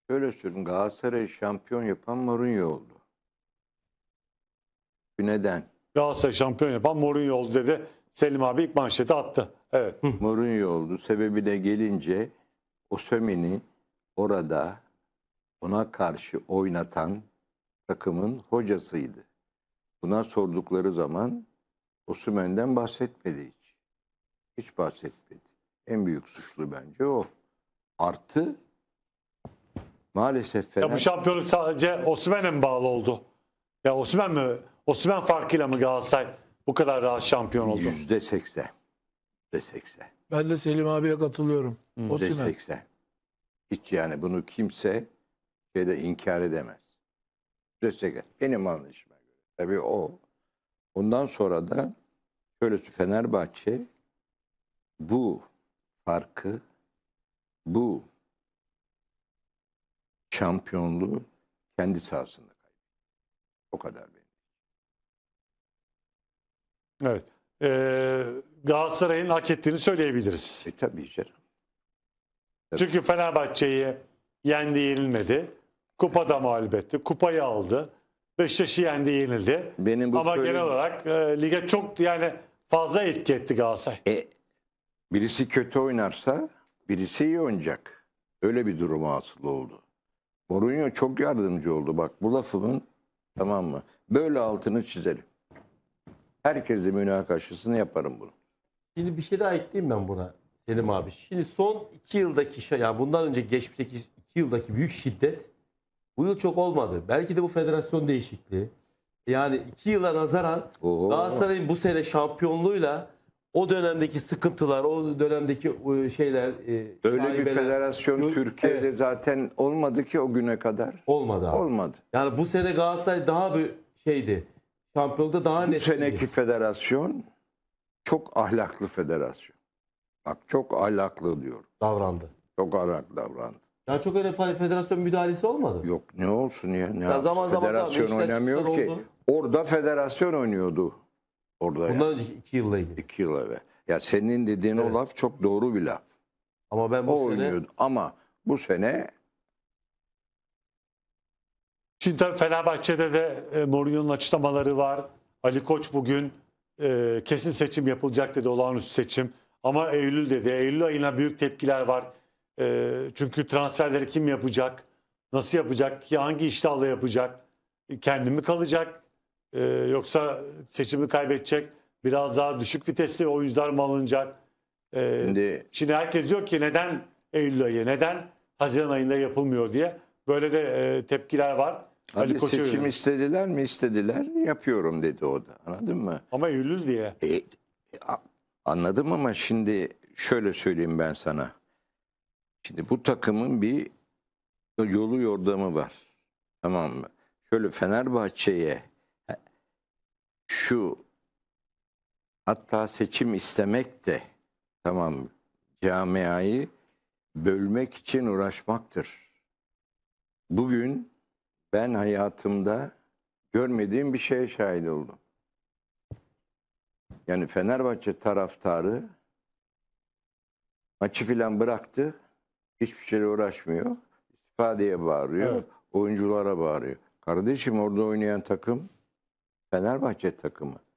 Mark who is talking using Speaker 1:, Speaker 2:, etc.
Speaker 1: Şöyle söyleyeyim, Galatasaray'ı şampiyon yapan Mourinho oldu. Neden?
Speaker 2: Galatasaray şampiyon yapan Mourinho oldu dedi. Selim abi ilk manşeti attı. Evet.
Speaker 1: Mourinho oldu. Sebebi de gelince Osimhen'i orada ona karşı oynatan takımın hocasıydı. Buna sordukları zaman Osimhen'den bahsetmedi hiç. Hiç bahsetmedi. En büyük suçlu bence o. Artı maalesef
Speaker 2: Ya bu
Speaker 1: Fener
Speaker 2: şampiyonluk sadece Osimhen'e mi bağlı oldu? Ya Osimhen mi? Osimhen farkıyla mı Galatasaray bu kadar rahat şampiyon oldu?
Speaker 1: %80. %80.
Speaker 3: Ben de Selim abiye katılıyorum. Osimhen.
Speaker 1: %80. Hiç yani bunu kimse inkar edemez. %80. Benim anlayışıma göre. Tabii o. Ondan sonra da şöyle Fenerbahçe bu farkı, bu şampiyonluğu kendi sahasında kaybetti. O kadar benim.
Speaker 2: Evet. Galatasaray'ın hak ettiğini söyleyebiliriz.
Speaker 1: Tabii canım.
Speaker 2: Çünkü Fenerbahçe'yi yendi, yenilmedi. Kupada mağlup etti. Kupayı aldı. Beşiktaş'ı yendi, yenildi.
Speaker 1: Benim bu
Speaker 2: Ama
Speaker 1: söylediğim-
Speaker 2: genel olarak lige çok yani fazla etki etti Galatasaray.
Speaker 1: Birisi kötü oynarsa birisi iyi oynayacak. Öyle bir duruma hasıl oldu. Mourinho çok yardımcı oldu. Bak bu lafımın, tamam mı? Böyle altını çizelim. Herkese münakaşasını yaparım bunu.
Speaker 4: Şimdi bir şey daha ekleyeyim ben buna Selim abi. Şimdi son 2 yıldaki yani bundan önce geçmişteki 2 yıldaki büyük şiddet bu yıl çok olmadı. Belki de bu federasyon değişikliği. Yani 2 yıla nazaran
Speaker 1: Oo.
Speaker 4: Galatasaray'ın bu sene şampiyonluğuyla o dönemdeki sıkıntılar, o dönemdeki şeyler
Speaker 1: Öyle bir
Speaker 4: şaibeler
Speaker 1: federasyon Türkiye'de
Speaker 4: Evet,
Speaker 1: zaten olmadı ki o güne kadar.
Speaker 4: olmadı abi.
Speaker 1: Olmadı.
Speaker 4: Yani bu sene Galatasaray daha bir şeydi. Şampiyonlukta daha
Speaker 1: Bu
Speaker 4: net.
Speaker 1: seneki federasyon çok ahlaklı federasyon. Bak çok ahlaklı diyorum.
Speaker 4: davrandı.
Speaker 1: Çok ahlaklı davrandı.
Speaker 4: Yani çok öyle federasyon müdahalesi olmadı.
Speaker 1: Yok ne olsun ya. Ne
Speaker 4: Ya
Speaker 1: yapsın?
Speaker 4: zaman zaman da
Speaker 1: Federasyon
Speaker 4: Beşiktaş
Speaker 1: oynamıyor
Speaker 4: çıkışlar
Speaker 1: ki.
Speaker 4: oldu.
Speaker 1: Orada federasyon oynuyordu. Orada
Speaker 4: Bundan
Speaker 1: ya.
Speaker 4: önceki 2 yılla ilgili.
Speaker 1: 2 yıl evvel. Ya senin dediğin
Speaker 4: Evet.
Speaker 1: o laf çok doğru bir laf.
Speaker 4: Ama ben
Speaker 1: O
Speaker 4: bu sene
Speaker 1: oynuyordu. Ama bu sene
Speaker 2: Şimdi tabii Fenerbahçe'de de Mourinho'nun açıklamaları var. Ali Koç bugün kesin seçim yapılacak dedi, olağanüstü seçim. Ama Eylül dedi. Eylül ayına büyük tepkiler var. Çünkü transferleri kim yapacak? Nasıl yapacak? Hangi iştahla yapacak? Kendi mi kalacak? Yoksa seçimi kaybedecek? Biraz daha düşük vitesli oyuncular mı alınacak? Şimdi herkes diyor ki neden Eylül ayı, neden Haziran ayında yapılmıyor diye. Böyle de tepkiler var. Ali
Speaker 1: hadi
Speaker 2: Koç'a
Speaker 1: seçim
Speaker 2: yönelik.
Speaker 1: istediler mi? İstediler. Yapıyorum dedi o da. Anladın mı?
Speaker 2: Ama Eylül diye.
Speaker 1: Anladım ama şimdi şöyle söyleyeyim ben sana. Şimdi bu takımın bir yolu yordamı var. Tamam mı? Şöyle Fenerbahçe'ye şu hatta seçim istemek de, tamam mı, camiayı bölmek için uğraşmaktır. Bugün ben hayatımda görmediğim bir şeye şahit oldum. Yani Fenerbahçe taraftarı maçı filan bıraktı. Hiçbir şeyle uğraşmıyor. İstifadeye bağırıyor.
Speaker 2: Evet.
Speaker 1: Oyunculara bağırıyor. Kardeşim orada oynayan takım Fenerbahçe takımı.